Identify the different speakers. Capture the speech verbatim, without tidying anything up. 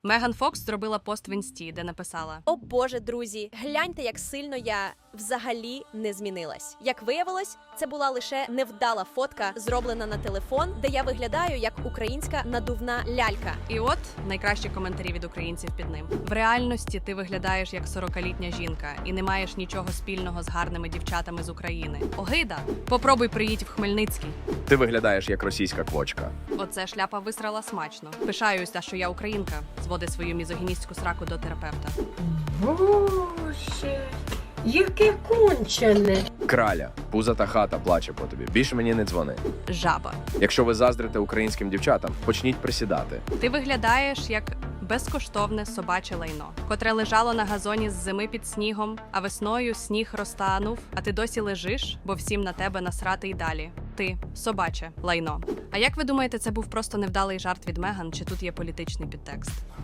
Speaker 1: Меган Фокс зробила пост в інсті, де написала:
Speaker 2: О боже, друзі, гляньте, як сильно я взагалі не змінилась. Як виявилось, це була лише невдала фотка, зроблена на телефон, де я виглядаю як українська надувна лялька.
Speaker 1: І от найкращі коментарі від українців під ним. В реальності ти виглядаєш як сорокалітня жінка і не маєш нічого спільного з гарними дівчатами з України. Огида! Попробуй приїдь в Хмельницький.
Speaker 3: Ти виглядаєш як російська квочка.
Speaker 1: Оце шляпа висрала смачно. Пишаюся, що я українка. Зводи свою мізогіністську сраку до терапевта.
Speaker 4: Боже, яке кончене.
Speaker 3: Краля, пузата хата плаче по тобі. Більше мені не дзвони.
Speaker 1: Жаба.
Speaker 3: Якщо ви заздрите українським дівчатам, почніть присідати.
Speaker 1: Ти виглядаєш як безкоштовне собаче лайно, котре лежало на газоні з зими під снігом, а весною сніг розтанув, а ти досі лежиш, бо всім на тебе насрати й далі. Ти – собаче лайно. А як ви думаєте, це був просто невдалий жарт від Меган, чи тут є політичний підтекст?